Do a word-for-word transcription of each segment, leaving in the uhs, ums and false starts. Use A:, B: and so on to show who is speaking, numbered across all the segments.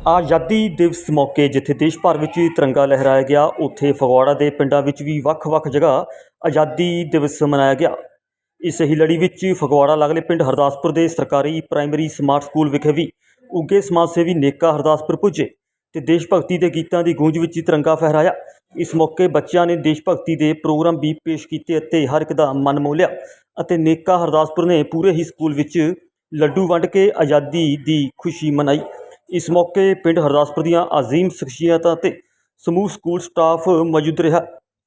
A: आज़ादी दिवस मौके जिथे देश भर में तिरंगा लहराया गया, उत्थे फगवाड़ा के पिंडों में भी वक्-वक् जगह आज़ादी दिवस मनाया गया। इस ही लड़ी में फगवाड़ा लगले पिंड हरदासपुर के सरकारी प्राइमरी स्मार्ट स्कूल विखे भी उगे समाज सेवी नेका हरदासपुर पुजे तो देश भगती के गीतों की गूंज में तिरंगा फहराया। इस मौके बच्चों ने देश भगती के प्रोग्राम भी पेश किए, हर एक का मन मोह लिया। नेका हरदासपुर ने पूरे ही स्कूल में लड्डू वंड के आज़ादी की खुशी मनाई। इस मौके पिंड हरदासपुर दीआं अजीम शख्सियतां ते समूह स्कूल स्टाफ मौजूद रहा,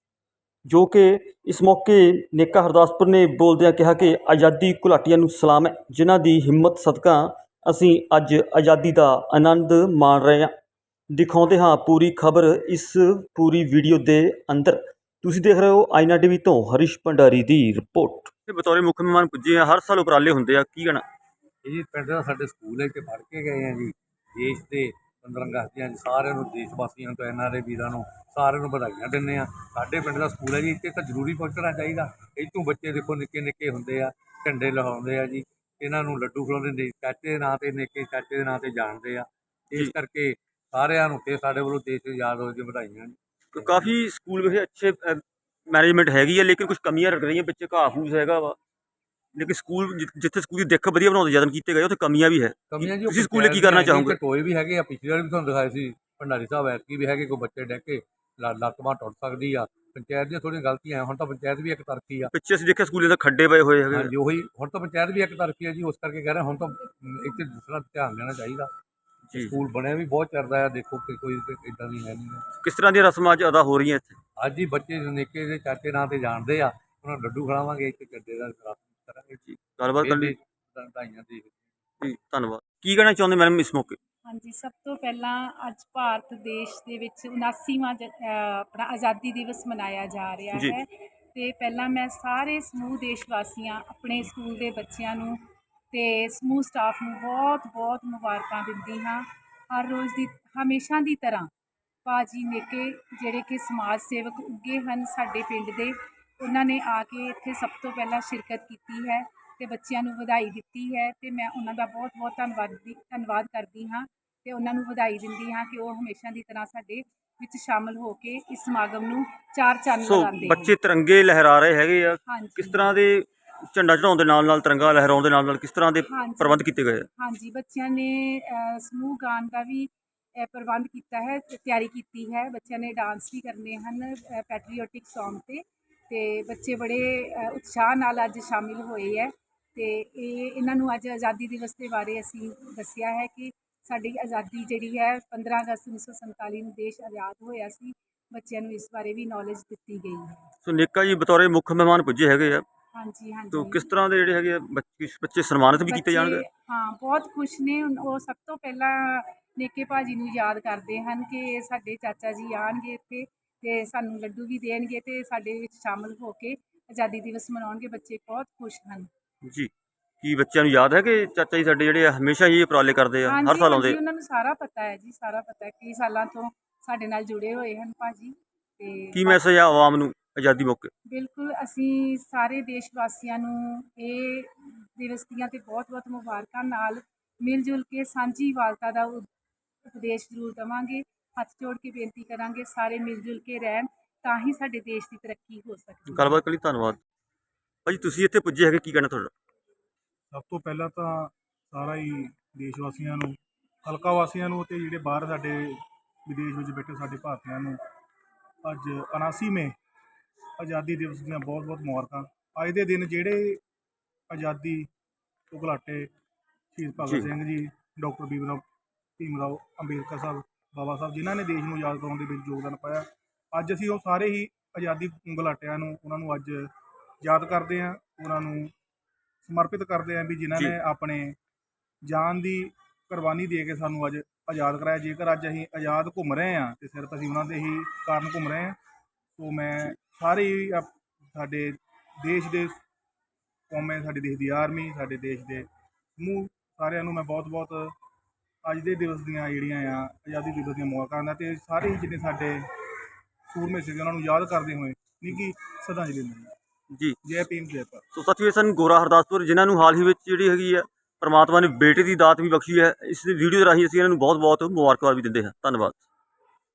A: जो कि इस मौके नेका हरदासपुर ने बोलदिआं कहा कि आज़ादी घुलाटियां नूं सलाम है, जिन्हां दी हिम्मत सदका असीं अज आज़ादी का आनंद माण रहे हां। दिखाउंदे हां पूरी खबर इस पूरी वीडियो के अंदर। तुसीं देख रहे हो आईना टीवी तो हरीश भंडारी की रिपोर्ट। बतौर मुख मेहमान पुजे हैं, हर साल उपराले होंदे आ, की कहना
B: जी? पिंड दा साडे स्कूल है कि पढ़ के गए हैं जी। देश के पंद्रह अगस्त दी सारे देश वासियों तो एन आर ए वीरों को सारे बधाइयां दिंदे आ। साडे पिंड दा स्कूल है जी, इत्थे तां जरूरी पहुंचना चाहिए। इतों बच्चे देखो निक्के निक्के होंदे आ, झंडे लहाउंदे आ जी, इन्हां नूं लड्डू खिलाउंदे, चाचे के नां ते निक्के चाचे के नां ते जानदे आ। इस करके सारिआं नूं ते साडे वल्लों देश आज़ाद होए दी बधाइयां।
A: तो काफ़ी स्कूल में अच्छे मैनेजमेंट हैगी है, लेकिन कुछ कमियां रख रही हैं, बच्चे घाह फूस हैगा वा, लेकिन स्कूल जिथे स्कूल की दिख वधिया बनाने यतन किए गए, उत्थे कमियां भी है।
B: कमियां जी
A: तुसीं स्कूले की करना चाहोगे?
B: टोए भी है, पिछली बार भी तुहानूं दिखाए सी भंडारी साहब, ऐतकी भी है कोई बच्चे डह के लत्त बांह टुट सकती आ। पंचायत दी थोड़ी गलतियां, हुण तां पंचायत भी एक तरफी आ।
A: पिछे असीं देखिआ स्कूलों के खड्डे पए हुए हैं।
B: हाँ जी, उही हुण तां पंचायत भी एक तरफी है जी, उस करके कह रहे हुण तां इत्थे दूसरा ध्यान देना चाहिए। स्कूल बने भी बहुत चरदा है, देखो कि कोई इदां दी है नहीं। किस तरह दी रस्मां अज अदा हो रही हैं इत्थे? अज ही बच्चे निक्के दे चाचे नां ते जानदे आ, उन्हां नूं लड्डू खिलावांगे, इत्थे चड्डे दा करांगे जी। गलबात कर लई बधाइयां जी, धन्नवाद। की कहना चाहुंदे मैडम इस मौके?
C: हाँ जी, सब तो पहला अज भारत देश दे विच उनासीवां अपना आज़ादी दिवस मनाया जा रहा है। तो पहला मैं सारे समूह देश वासियां, अपने स्कूल के बच्चों नूं ते समूह स्टाफ नूं बहुत बहुत मुबारकां दिंदी हाँ। हर रोज़ की हमेशा की तरह भाजी नेके जिहड़े कि समाज सेवक उगे हैं साडे पिंड दे, उन्होंने आके इत्थे सब तो पहला शिरकत की है ते बच्चों नूं वधाई दित्ती है। तो मैं उन्होंने बहुत बहुत धन्नवाद धन्नवाद करती हाँ ते उन्होंने वधाई दिंदी हाँ कि वो हमेशा की तरह साडे विच शामिल होके इस समागम नूं चार चंद लगांदे।
A: बच्चे तिरंगे लहरा रहे हैगे आ,
C: हाँ
A: किस तरह के झंडा चढ़ाउण दे नाल नाल तिरंगा लहराउण दे नाल नाल किस तरह के प्रबंध किए गए?
C: हाँ जी, बच्चों ने समूह गान का भी प्रबंध किया है, तैयारी की है। बच्चों ने डांस भी करने हैं पैट्रियोटिक सॉन्ग ते ते बच्चे बड़े उत्साह नाल अज शामिल होए है। तो इन्हां नूं अज आज़ादी दिवस के बारे असीं दस्सिया है कि साडी आज़ादी जिहड़ी है पंद्रह अगस्त उन्नीस सौ संताली नूं देश आज़ाद होया सी। बच्चों नूं इस बारे भी नॉलेज दी गई है।
A: सो नेका जी बतौर मुख मेहमान पुजे हैगे आ,
C: हाँ जी हाँ जी।
A: तो किस तरह के जिहड़े हैगे बच्चे बच्चे सन्मानित भी किए जाणगे?
C: हाँ, बहुत खुश ने। वो सब तो पहला नेके भाजी नूं याद करते हैं कि साडे चाचा जी आएणगे इत्थे ते सानूं लड्डू भी देणगे ते साडे विच शामिल होके आज़ादी दिवस मनाउणगे। बच्चे बहुत खुश हैं
A: जी। की बच्चों नूं याद है कि चाचा जी साडे जिहड़े हमेशा ही उपराले करते हैं, हर साल आउंदे?
C: उन्होंने सारा पता है जी, सारा पता है, कई सालों तो साडे नाल जुड़े हुए हैं भाजी। ते
A: की मैसेज है आवाम नूं आज़ादी मौके? बिल्कुल,
C: असीं सारे देश वासियां नूं ये दिवस दीआं ते बहुत बहुत मुबारकां नाल मिल जुल के सांझी वालता का उपदेश जरूर देवांगे। हथ जोड़ के बेनती करांगे सारे मिल जुल के रहन, तां ही साडे देश की तरक्की हो सकती है।
A: गलबात कर लई, धन्नवाद। भाजी तुसीं इत्थे पुजे हैगे, की कहना तुहाडा?
D: सब तो पहला तो सारा ही देश वासियों नूं, हल्का वासियों नूं ते जिहड़े बाहर साडे विदेश में बैठे साडे भारतीयों नूं अज उनासीवें आज़ादी दिवस दीआं बहुत बहुत मुबारकां। अज दे दिन जिहड़े आज़ादी तो घुलाटे शहीद भगत सिंह जी, डॉक्टर भीम राव भीम राव अंबेडकर साहब, बाबा साहब, जिन्हां ने देश नूं आज़ाद कराउण दे विच योगदान पाया, अज असीं वो सारे ही आज़ादी घुलाटियां नूं उन्हां नूं अज याद करते हैं, उन्हां नूं समर्पित करते हैं भी जिन्होंने अपने जान की कुर्बानी दे के सानू अज आज़ाद कराया। जेकर अज असीं आज़ाद घूम रहे हैं तो सिर्फ असीं उन्होंने ही कारण घूम रहे हैं। तो मैं सारे ही साडे देश के कौमे, साडे देश की आर्मी, साडे देश के समूह सारिਆਂ ਨੂੰ मैं बहुत बहुत अज के दिवस ਦੀਆਂ ਜਿਹੜੀਆਂ ਆ आज़ादी दिवस ਦੀਆਂ ਮੁਬਾਰਕਾਂ ਦਿੰਦਾ ਤੇ ਸਾਰੇ ਹੀ ਜਿੰਨੇ ਸਾਡੇ ਸੂਰਮੇ ਸੀਗੇ ਉਹਨਾਂ ਨੂੰ याद करते हुए निੱਘੀ श्रद्धांजलि दिंਦੇ।
A: जी,
D: जय भीम जय भारत।
A: सो साथियों सन गोरा हरदासपुर, जिन्होंने हाल ही में जी हैगी है ਪਰਮਾਤਮਾ ਨੇ ਬੇਟੇ ਦੀ ਦਾਤ ਵੀ ਬਖਸ਼ੀ ਹੈ। ਇਸ ਵੀਡੀਓ ਦੇ ਰਾਹੀਂ ਅਸੀਂ ਇਹਨਾਂ ਨੂੰ ਬਹੁਤ ਬਹੁਤ ਮੁਬਾਰਕਬਾਦ ਵੀ ਦਿੰਦੇ ਹਾਂ। ਧੰਨਵਾਦ।